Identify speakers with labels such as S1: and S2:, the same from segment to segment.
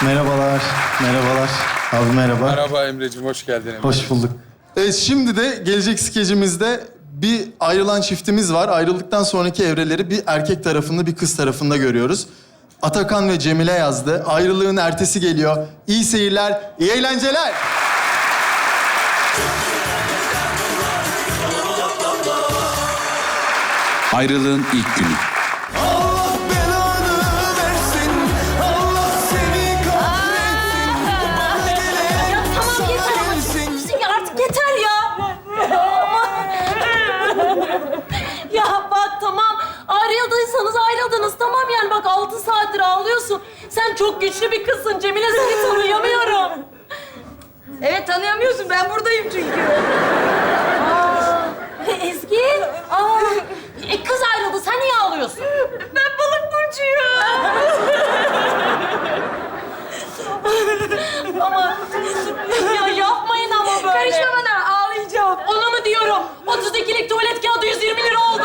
S1: Merhabalar, merhabalar. Abi merhaba.
S2: Merhaba Emre'ciğim, hoş geldin Emre.
S1: Hoş bulduk. Evet, şimdi de gelecek skecimizde bir ayrılan çiftimiz var. Ayrıldıktan sonraki evreleri bir erkek tarafında, bir kız tarafında görüyoruz. Atakan ve Cemile yazdı. Ayrılığın ertesi geliyor. İyi seyirler, iyi eğlenceler.
S3: Ayrılığın ilk günü.
S4: Allah belanı versin, Allah seni kahretsin. Bana gelen
S5: Ya tamam yeter ama
S4: sensin.
S5: ya artık yeter ya. Ama... ya bak tamam ayrıldıysanız ayrıldınız tamam yani bak 6 saattir ağlıyorsun. Sen çok güçlü bir kızsın Cemile seni tanıyamıyorum.
S6: Evet tanıyamıyorsun. Ben buradayım çünkü.
S5: Ezgi. Aa, kız ayrıldı sen niye ağlıyorsun?
S6: Ben balık burcuyum.
S5: Ama ya yapmayın ama böyle.
S6: Karışma bana. Ağlayacağım.
S5: Ona mı diyorum? 32'lik tuvalet kağıdı 120 lira oldu.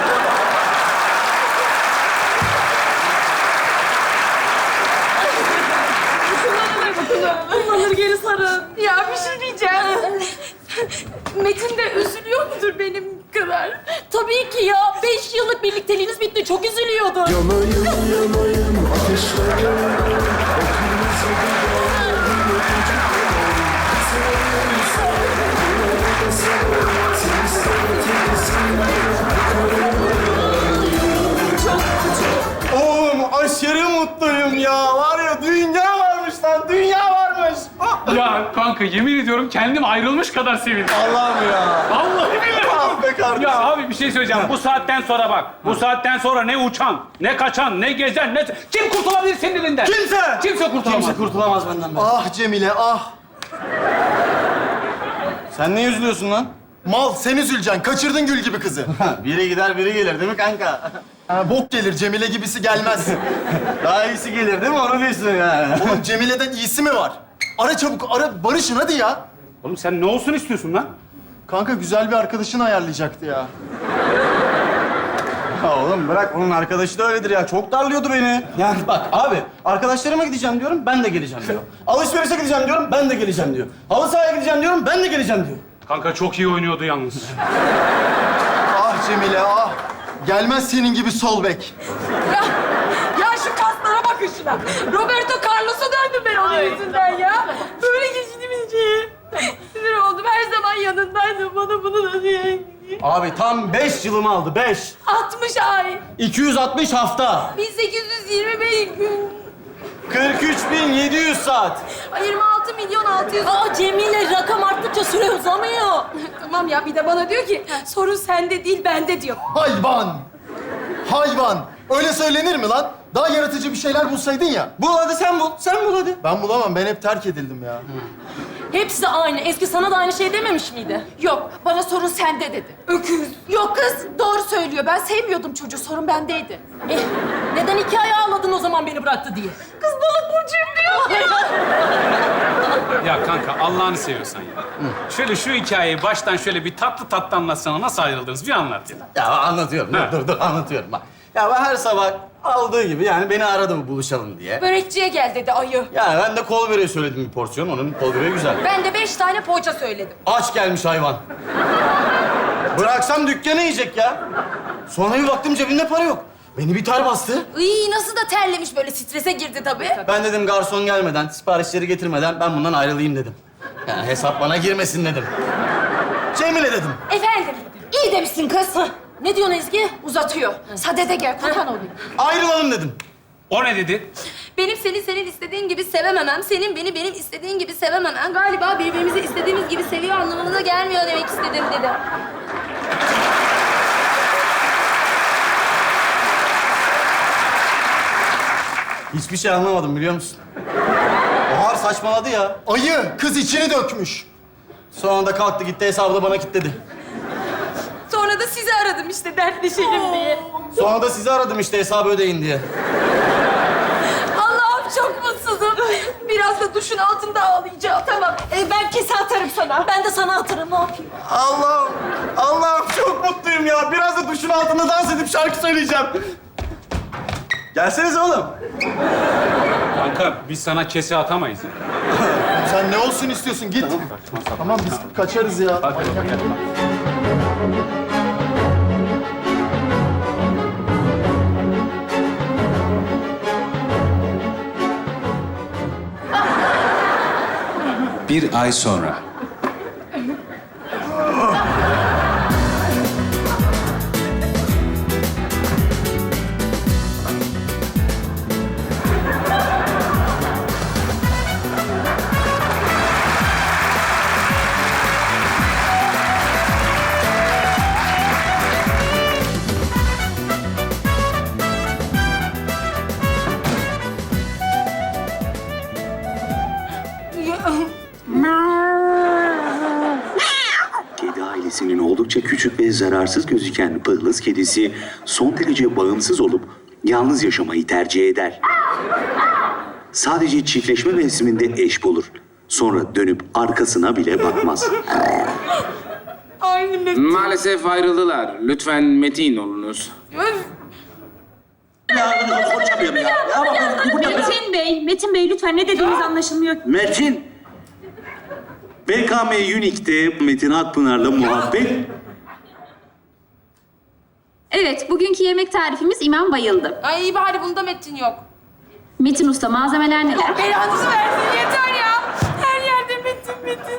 S5: Bunları geri sarın.
S6: Ya bir şey diyeceğim. Metin de üzülüyor mudur benim kadar?
S5: Tabii ki ya. 5 yıllık birlikteliğiniz bitti. Çok üzülüyordu.
S4: Yanayım yanayım ateşlerim.
S1: Oğlum aşırı mutluyum ya. Var ya dünya varmış lan, dünya varmış.
S7: Ya kanka yemin ediyorum kendim ayrılmış kadar sevindim.
S1: Allah'ım ya.
S7: Vallahi billahi.
S1: Ah be kardeşim.
S7: Ya abi bir şey söyleyeceğim. Bu saatten sonra bak. Bu saatten sonra ne uçan, ne kaçan, ne gezen, ne... Kim kurtulabilir senin elinden?
S1: Kimse.
S7: Kimse kurtulamaz.
S8: Kimse kurtulamaz benden.
S1: Ah Cemile, ah.
S8: Sen ne üzülüyorsun lan?
S1: Mal, sen üzüleceksin. Kaçırdın gül gibi kızı.
S8: Biri gider, biri gelir değil mi kanka?
S1: Ha, bok gelir, Cemile gibisi gelmez.
S8: Daha iyisi gelir değil mi? Onu diyorsun yani.
S1: Oğlum Cemile'den iyisi mi var? Ara çabuk, ara. Barışın hadi ya.
S7: Oğlum sen ne olsun istiyorsun lan?
S1: Kanka güzel bir arkadaşını ayarlayacaktı ya.
S8: Ya oğlum bırak, onun arkadaşı da öyledir ya. Çok darlıyordu beni. Yani bak abi, arkadaşlarıma gideceğim diyorum, ben de geleceğim diyor. Alışverişe gideceğim diyorum, ben de geleceğim diyor. Halı sahaya gideceğim diyorum, ben de geleceğim diyor.
S7: Kanka çok iyi oynuyordu yalnız.
S1: Ah Cemile, ah. Gelmez senin gibi sol bek.
S6: Ya şu kaslara bakın şuna. Roberto Carlos'a döndüm ben onun yüzünden ya. Böyle geçinimci. Sinir oldum. Her zaman yanındaydım. Bana bunu da diye.
S8: Abi tam 5 yılımı aldı, 5.
S6: 60 ay.
S8: 260 hafta.
S6: 1825 gün.
S8: 43.700 saat.
S6: 26 milyon 600.
S5: Aa Cemile rakam arttıkça süre uzamıyor.
S6: Tamam ya bir de bana diyor ki sorun sende değil bende diyor.
S1: Hayvan. Hayvan. Öyle söylenir mi lan? Daha yaratıcı bir şeyler bulsaydın ya.
S8: Bul hadi, sen bul. Sen bul hadi.
S1: Ben bulamam. Ben hep terk edildim ya.
S5: Hepsi aynı. Eski sana da aynı şey dememiş miydi?
S6: Yok bana sorun sende dedi. Öküz. Yok kız doğru söylüyor. Ben sevmiyordum çocuğu. Sorun bendeydi.
S5: Neden 2 ay ağladın o zaman beni bıraktı diye?
S6: Kız balık burcuyum diyor.
S7: Ya kanka Allah'ını seviyorsan ya. Şöyle şu hikayeyi baştan şöyle bir tatlı tatlı anlatsana. Nasıl ayrıldınız? Bir anlat ya.
S8: Ya anlatıyorum.
S7: Ha.
S8: Dur anlatıyorum bak. Ya ben her sabah aldığı gibi yani beni aradı mı buluşalım diye.
S6: Börekçiye gel dedi ayı.
S8: Yani ben de kol böreği söyledim bir porsiyon. Onun kol böreği güzel.
S6: Ben de 5 tane poğaça söyledim.
S8: Aç gelmiş hayvan. Bıraksam dükkanı yiyecek ya. Sonra bir baktım cebimde para yok. Beni bir ter bastı.
S6: Iy nasıl da terlemiş böyle strese girdi tabii.
S8: Ben dedim garson gelmeden, siparişleri getirmeden ben bundan ayrılayım dedim. Yani hesap bana girmesin dedim. Cemile dedim.
S6: Efendim iyi demişsin kız.
S5: Ne diyorsun Ezgi?
S6: Uzatıyor. Sadede gel kurban olayım.
S8: Ayrılalım dedim.
S7: O ne dedi?
S6: Benim seni senin istediğin gibi sevememem, senin beni benim istediğin gibi sevememem galiba birbirimizi istediğimiz gibi seviyor anlamına da gelmiyor demek istedim dedi.
S8: Hiçbir şey anlamadım biliyor musun? Bahar saçmaladı ya.
S1: Ayı. Kız içini dökmüş.
S8: Sonra da kalktı gitti hesabı da bana kilitledi.
S6: Sonra da sizi aradım işte dertleşelim diye.
S8: Sonra da sizi aradım işte hesabı ödeyin diye.
S6: Allah'ım çok mutsuzum. Biraz da duşun altında ağlayacağım. Tamam. Ben kese atarım sana.
S5: Ben de sana atarım ne yapayım?
S8: Allah'ım çok mutluyum ya. Biraz da duşun altında dans edip şarkı söyleyeceğim. Gelsenize oğlum.
S7: Kanka biz sana kese atamayız.
S1: Sen ne olsun istiyorsun? Git. Tamam biz kaçarız ya.
S3: Bir ay sonra.
S2: Kedi ailesinin oldukça küçük ve zararsız gözüken Pıhlız kedisi son derece bağımsız olup yalnız yaşamayı tercih eder. Sadece çiftleşme mevsiminde eş bulur. Sonra dönüp arkasına bile bakmaz.
S6: Aynı Metin.
S3: Maalesef ayrıldılar. Lütfen metin olunuz.
S9: Metin Bey lütfen ne dediğiniz anlaşılmıyor.
S2: Metin! BKM Unique'de Metin Akpınar'la muhabbet.
S9: Evet, bugünkü yemek tarifimiz İmam bayıldı.
S6: Ay iyi bari bunda Metin yok.
S9: Metin Usta, malzemeler neler?
S6: Belanızı versin yeter ya. Her yerde Metin.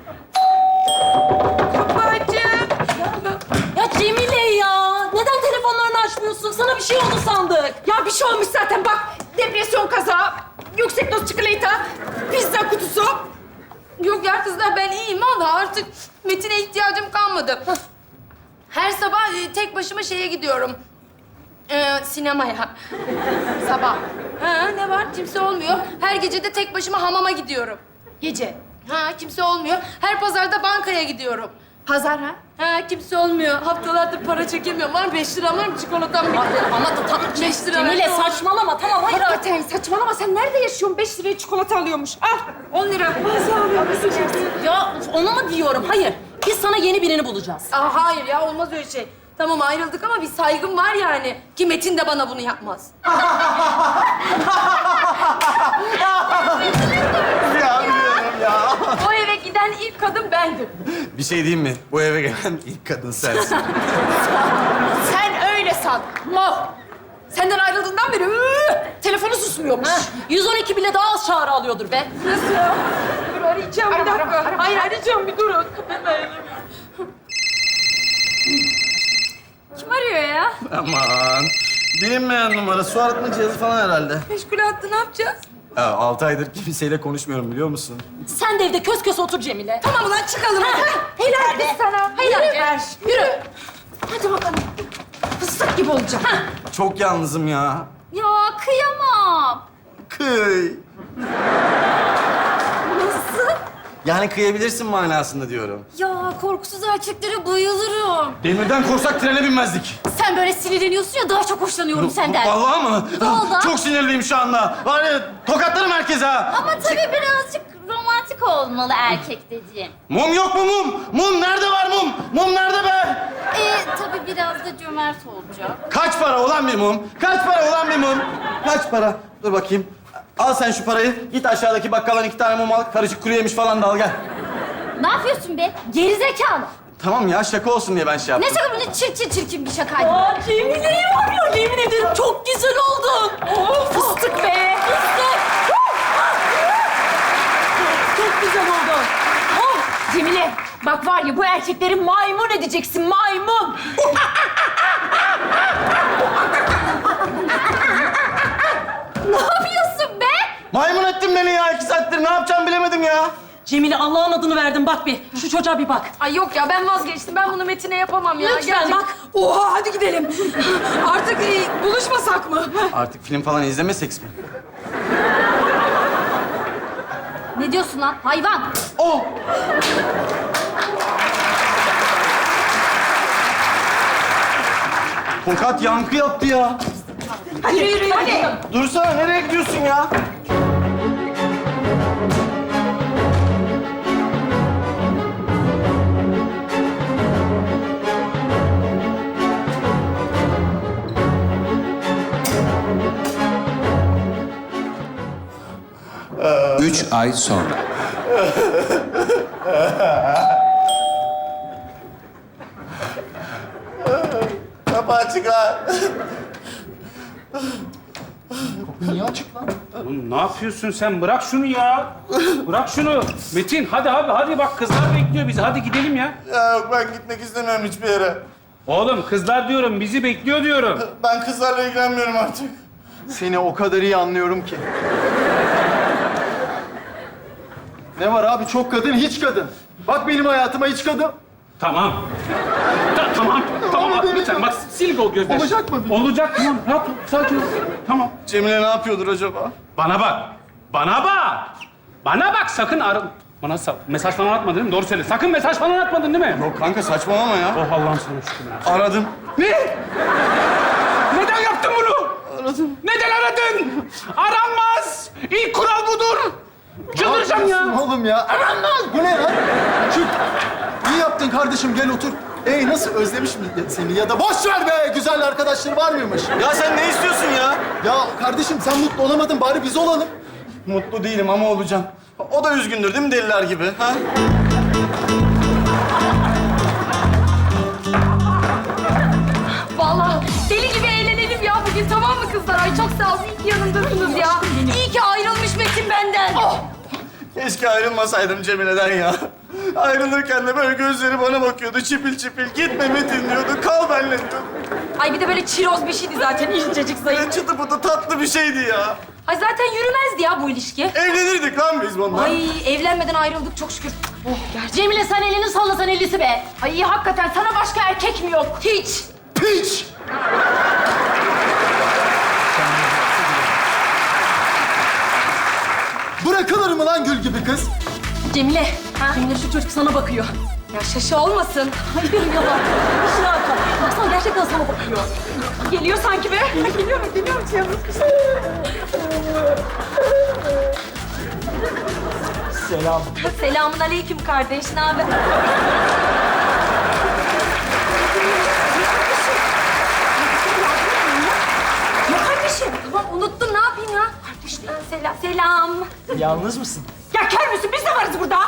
S6: Babacığım.
S5: Ya Cemile ya! Neden telefonlarını açmıyorsun? Sana bir şey oldu sandık.
S6: Ya bir şey olmuş zaten bak. Depresyon kazağı, yüksek doz çikolata, pizza kutusu. Yok ya kızlar ben iyiyim valla artık Metin'e ihtiyacım kalmadı. Her sabah tek başıma şeye gidiyorum. Sinemaya. Sabah. Ha, ne var? Kimse olmuyor. Her gece de tek başıma hamama gidiyorum. Gece. Ha, kimse olmuyor. Her pazarda bankaya gidiyorum. Pazar ha? Ha, kimse olmuyor. Haftalardır para çekemiyorum. Var mı? 5 liram var mı? Çikolatam bitti.
S5: Ama da
S6: 5 lira
S5: Cemile
S6: ver.
S5: saçmalama tamam hayır.
S6: Hakikaten saçmalama. Sen nerede yaşıyorsun? 5 liraya çikolata alıyormuş. Al 10 lira. Nasıl alıyorsun?
S5: Ya onu mu diyorum? Hayır. Biz sana yeni birini bulacağız.
S6: Aa, hayır ya olmaz öyle şey. Tamam ayrıldık ama bir saygım var yani. Ki Metin de bana bunu yapmaz.
S8: Ya biliyorum ya.
S6: O eve giden ilk kadın bendim.
S8: Bir şey diyeyim mi? Bu eve gelen ilk kadın sensin.
S6: Sen öyle san. Mal. Senden ayrıldığından beri telefonu susmuyormuş.
S5: 112 bile daha az çağrı alıyordur be.
S6: Nasıl ya? Dur arayacağım bir dakika. Hayır arayacağım bir durun.
S9: Kim arıyor ya?
S8: Aman. Bilinmeyen numara. Su arıtma cihazı falan herhalde.
S6: Meşgul attı ne yapacağız?
S8: Ya 6 aydır kimseyle konuşmuyorum biliyor musun?
S5: Sen de evde kös kös otur Cemile.
S6: Tamam ulan çıkalım. Helal be sana. Helal be. Yürü. Hadi bakalım. Fıstık gibi olacak.
S8: Çok yalnızım ya.
S9: Ya kıyamam.
S8: Kıy.
S9: Nasıl?
S8: Yani kıyabilirsin manasında diyorum.
S9: Ya korkusuz erkeklere bayılırım.
S8: Demirden korsak trene binmezdik.
S9: Sen böyle sinirleniyorsun ya daha çok hoşlanıyorum senden.
S8: Vallahi mı?
S9: Vallahi.
S8: Çok sinirliyim şu anda. Var ya tokatlarım herkese ha.
S9: Ama tabii birazcık romantik olmalı erkek dediğim.
S8: Mum yok mu mum? Mum nerede var mum? Mum nerede be?
S9: Tabii biraz da cömert olacak.
S8: Kaç para olan bir mum? Kaç para olan bir mum? Kaç para? Dur bakayım. Al sen şu parayı. Git aşağıdaki bakkaldan 2 tane mum al. Karışık kuru yemiş falan da al gel.
S9: Ne yapıyorsun be? Gerizekalı.
S8: Tamam ya şaka olsun diye ben şey yaptım.
S9: Ne şaka bu? Ne çirkin bir şakaydı.
S5: Aa Cemile'yi var ya yemin ederim çok güzel oldun. Fıstık be. Fıstık. Çok güzel oldun.
S9: Cemile, bak var ya bu erkekleri maymun edeceksin, maymun. Ne yapıyorsun be?
S8: Maymun ettin beni ya. 2 saattir ne yapacağımı bilemedim ya.
S5: Cemile Allah'ın adını verdim bak bir. Şu çocuğa bir bak.
S6: Ay yok ya ben vazgeçtim. Ben bunu Metin'e yapamam ya.
S5: Lütfen bak.
S6: Oha hadi gidelim. Artık buluşmasak mı?
S8: Artık film falan izlemesek mi?
S9: Ne diyorsun lan hayvan?
S8: Oh! Tokat yankı yaptı ya.
S6: Hadi yürü hadi.
S8: Dursana nereye gidiyorsun ya?
S3: 3 ay sonra.
S8: Kapı açık ha.
S1: Niye açık lan?
S7: Oğlum ne yapıyorsun sen? Bırak şunu ya. Bırak şunu. Metin hadi abi hadi bak kızlar bekliyor bizi. Hadi gidelim ya.
S8: Ya yok ben gitmek istemiyorum hiçbir yere.
S7: Oğlum kızlar diyorum bizi bekliyor diyorum.
S8: Ben kızlarla ilgilenmiyorum artık.
S1: Seni o kadar iyi anlıyorum ki. Ne var abi? Çok kadın, hiç kadın. Bak benim hayatıma hiç kadın.
S7: Tamam. Tamam abi lütfen bak sil o gözleri.
S1: Olacak mı?
S7: Olacak tamam. Rahat ol, sakin ol. Tamam.
S8: Cemile ne yapıyordur acaba?
S7: Bana bak. Bana bak sakın bana mesaj falan atmadın değil mi? Doğru söyle. Sakın mesaj falan atmadın değil mi?
S8: Yok kanka saçmalama ya.
S7: Oh Allah'ım sana şükür.
S8: Aradım.
S7: Ne? Neden yaptın bunu?
S8: Aradım.
S7: Neden aradın? Aranmaz. İlk kural budur. Çıldıracağım ya.
S1: Oğlum ya. Aranmaz. Bu ne lan? Çık. İyi yaptın kardeşim. Gel otur. Nasıl? Özlemiş mi seni? Ya da boş ver be. Güzel arkadaşları var mıymış?
S8: Ya sen ne istiyorsun ya?
S1: Ya kardeşim sen mutlu olamadın. Bari biz olalım.
S8: Mutlu değilim ama olacağım. O da üzgündür değil mi deliler gibi? Ha?
S6: Vallahi deli gibi eğlenelim ya bugün, tamam mı kızlar? Ay çok sağ olun, iyi ki yanımdasınız ya. İyi ki ayrılmış Metin benden.
S8: Keşke ayrılmasaydım Cemile'den ya. Ayrılırken de böyle gözleri bana bakıyordu çipil çipil. Gitme Metin diyordu, kal benimle diyordu.
S6: Ay bir de böyle çiroz bir şeydi zaten, incecik zayıf.
S8: Böyle çıtı pıtı tatlı bir şeydi ya.
S6: Ay zaten yürümezdi ya bu ilişki.
S8: Evlenirdik lan biz bundan.
S6: Ay evlenmeden ayrıldık çok şükür. Oh gerçi.
S5: Cemile sen elini sallasan ellisi be.
S6: Ay hakikaten sana başka erkek mi yok? Hiç.
S1: Piç! Bırakılır mı lan gül gibi kız?
S5: Cemile. Cemile şu çocuk sana bakıyor.
S6: Ya şaşı olmasın.
S5: Hayır yalan. İşine arka. Baksana gerçekten sana bakıyor.
S6: Geliyor sanki be. Geliyorum
S8: Selam.
S6: Selamun aleyküm kardeş, ne haber? Ya kardeşim, tamam unuttum, ne yapayım ya? Kardeşim, selam.
S8: Yalnız mısın?
S6: Ya kör müsün? Biz de varız burada.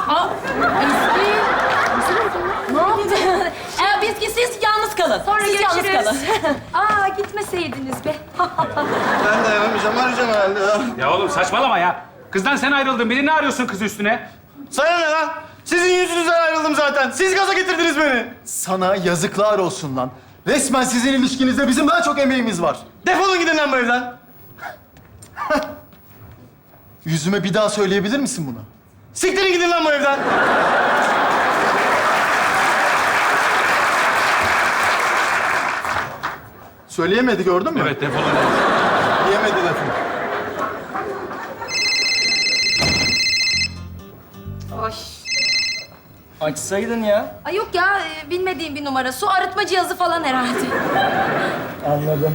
S5: Ne yaptın? Siz yalnız kalın.
S6: Sonra
S5: siz yalnız
S6: görüşürüz.
S5: kalın.
S6: Aa gitmeseydiniz be.
S8: Ben dayanamayacağım, arayacağım herhalde ya.
S7: Ya oğlum saçmalama ya. Kızdan sen ayrıldın. Beni ne arıyorsun kız üstüne?
S8: Sana ne lan? Sizin yüzünüzden ayrıldım zaten. Siz gaza getirdiniz beni.
S1: Sana yazıklar olsun lan. Resmen sizin ilişkinizde bizim daha çok emeğimiz var.
S8: Defolun gidin lan bu evden.
S1: Yüzüme bir daha söyleyebilir misin bunu?
S8: Siktirin gidin lan bu evden.
S1: Söyleyemedi gördün mü?
S7: Evet defolun.
S1: Yemedi lafını.
S6: Oy.
S8: Açsaydın ya.
S6: Ay yok ya, bilmediğim bir numara. Su arıtma cihazı falan herhalde.
S8: Anladım.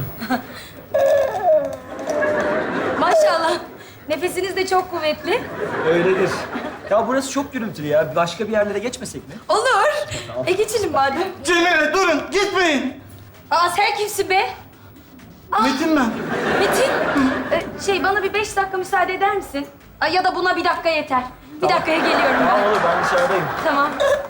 S6: Maşallah. Nefesiniz de çok kuvvetli.
S10: Öyledir. Ya burası çok gürültülü ya. Başka bir yerlere geçmesek mi?
S6: Olur. Geçelim madem.
S8: Cemile durun, gitmeyin.
S6: Aa sen kimsin be?
S8: Metin ben.
S6: Metin, bana bir 5 dakika müsaade eder misin? Ay, ya da buna bir dakika yeter. Bir dakikaya geliyorum ben.
S10: Olur ben dışarıdayım.
S6: Tamam.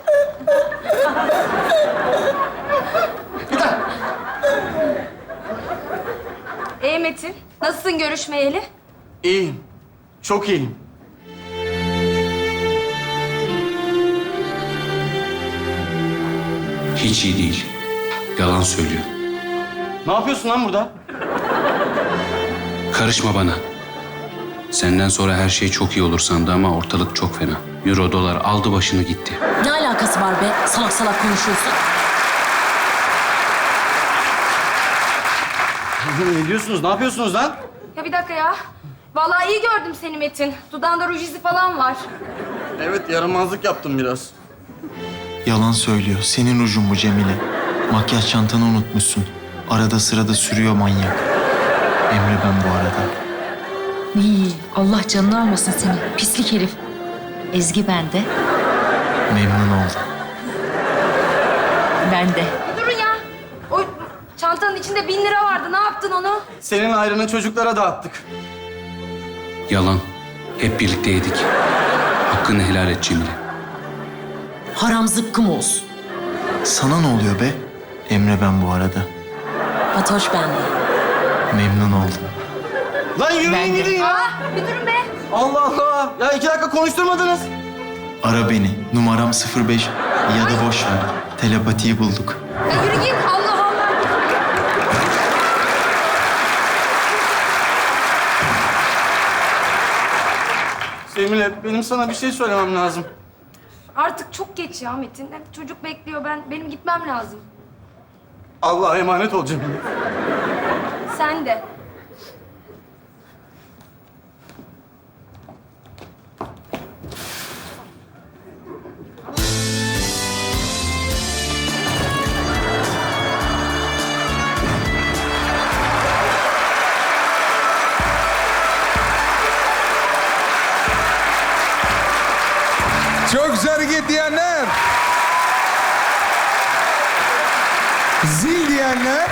S6: Metin, nasılsın görüşmeyeli?
S8: İyiyim. Çok iyiyim.
S3: Hiç iyi değil. Yalan söylüyor.
S8: Ne yapıyorsun lan burada?
S3: Karışma bana. Senden sonra her şey çok iyi olur sandı ama ortalık çok fena. Euro, dolar aldı başını gitti.
S5: Ne alakası var be? Salak salak konuşuyorsun.
S8: Ne diyorsunuz? Ne yapıyorsunuz lan?
S6: Ya bir dakika ya. Vallahi iyi gördüm seni Metin. Dudağında ruj izi falan var.
S8: Evet, yaramazlık yaptım biraz.
S1: Yalan söylüyor. Senin rujun bu Cemile. Makyaj çantanı unutmuşsun. Arada sırada sürüyor manyak. Emre ben bu arada.
S9: İyi, Allah canını almasın seni. Pislik herif. Ezgi bende,
S1: Memnun oldum.
S9: ben de.
S6: Durun ya. O çantanın içinde 1000 lira vardı. Ne yaptın onu?
S8: Senin ayrını çocuklara dağıttık.
S3: Yalan. Hep birlikte yedik. Hakkını helal et Cemile.
S5: Haram zıkkım olsun.
S1: Sana ne oluyor be? Emre ben bu arada.
S5: Fatoş bende.
S1: Memnun oldum.
S8: Lan yürüyün gidin ya.
S6: Bir durun be.
S8: Allah Allah. Ya 2 dakika konuşturmadınız.
S1: Ara beni. Numaram 05 ya da boş ver. Telepatiyi bulduk.
S6: Ya yürü git. Allah Allah.
S8: Cemile, benim sana bir şey söylemem lazım.
S6: Artık çok geç ya Metin. Çocuk bekliyor. Benim gitmem lazım.
S8: Allah'a emanet ol Cemile.
S6: Sen de.
S4: Çok güzel hareket diyenler. Zil diyenler.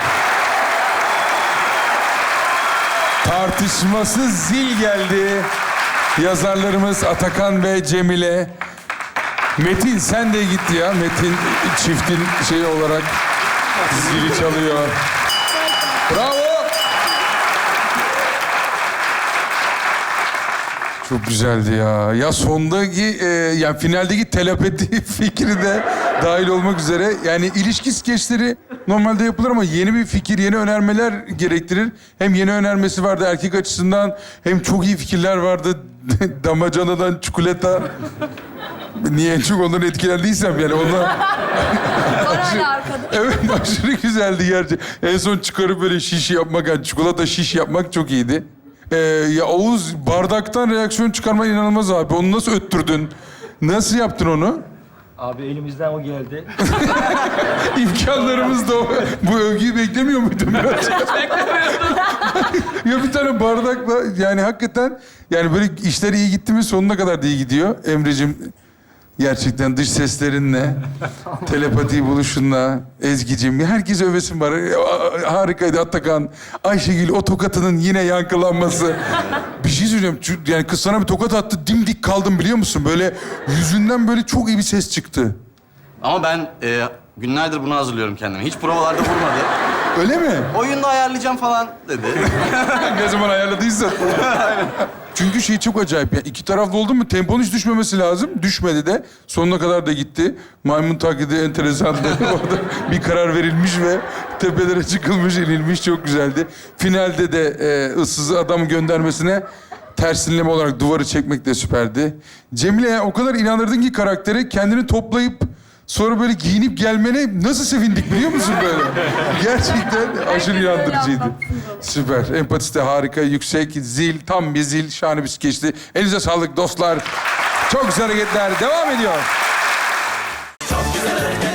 S4: Tartışmasız zil geldi. Yazarlarımız Atakan ve Cemile. Metin sen de git ya. Metin çiftin şeyi olarak zili çalıyor. Bravo. Çok güzeldi ya. Ya sondaki, yani finaldeki telepati fikri de dahil olmak üzere. Yani ilişki skeçleri normalde yapılır ama yeni bir fikir, yeni önermeler gerektirir. Hem yeni önermesi vardı erkek açısından, hem çok iyi fikirler vardı. Damacanadan çikolata. Niye en çok ondan etkilendiysem yani onlar...
S6: Var hala arkada.
S4: Evet, aşırı güzeldi gerçi. En son çıkarıp böyle şiş yapmak, yani çikolata şiş yapmak çok iyiydi. Ya Oğuz, bardaktan reaksiyon çıkarman inanılmaz abi. Onu nasıl öttürdün? Nasıl yaptın onu?
S10: Abi elimizden o geldi.
S4: İmkanlarımız da o. Bu övgüyü beklemiyor muydun biraz? Ya bir tane bardakla, yani hakikaten, yani böyle işler iyi gitti mi sonuna kadar da iyi gidiyor. Emre'cim, gerçekten dış seslerinle, telepati buluşunla, Ezgi'cim, herkes övesin var. Harikaydı Atakan. Ayşegül, o tokatının yine yankılanması. Bir şey söyleyeceğim, yani kız sana bir tokat attı, dimdik kaldım biliyor musun? Böyle yüzünden böyle çok iyi bir ses çıktı.
S8: Ama ben günlerdir bunu hazırlıyorum kendime. Hiç provalarda vurmadı.
S4: Öyle mi?
S8: Oyunda ayarlayacağım falan dedi.
S4: Ne zaman ayarladıysan. Çünkü şey çok acayip ya. İki taraflı oldu mu temponun hiç düşmemesi lazım. Düşmedi de. Sonuna kadar da gitti. Maymun taklidi enteresandı. Orada bir karar verilmiş ve tepelere çıkılmış, inilmiş. Çok güzeldi. Finalde de ıssız adamı göndermesine tersinleme olarak duvarı çekmek de süperdi. Cemile'ye o kadar inandırdın ki karaktere, kendini toplayıp sonra böyle giyinip gelmene nasıl sevindik biliyor musun böyle? Gerçekten aşırı inandırıcıydı. Süper. Empatisi de harika, yüksek, zil, tam bir zil, şahane bir skeçti. Elinize sağlık dostlar. Çok güzel hareketler devam ediyor. Çok güzel hareketler.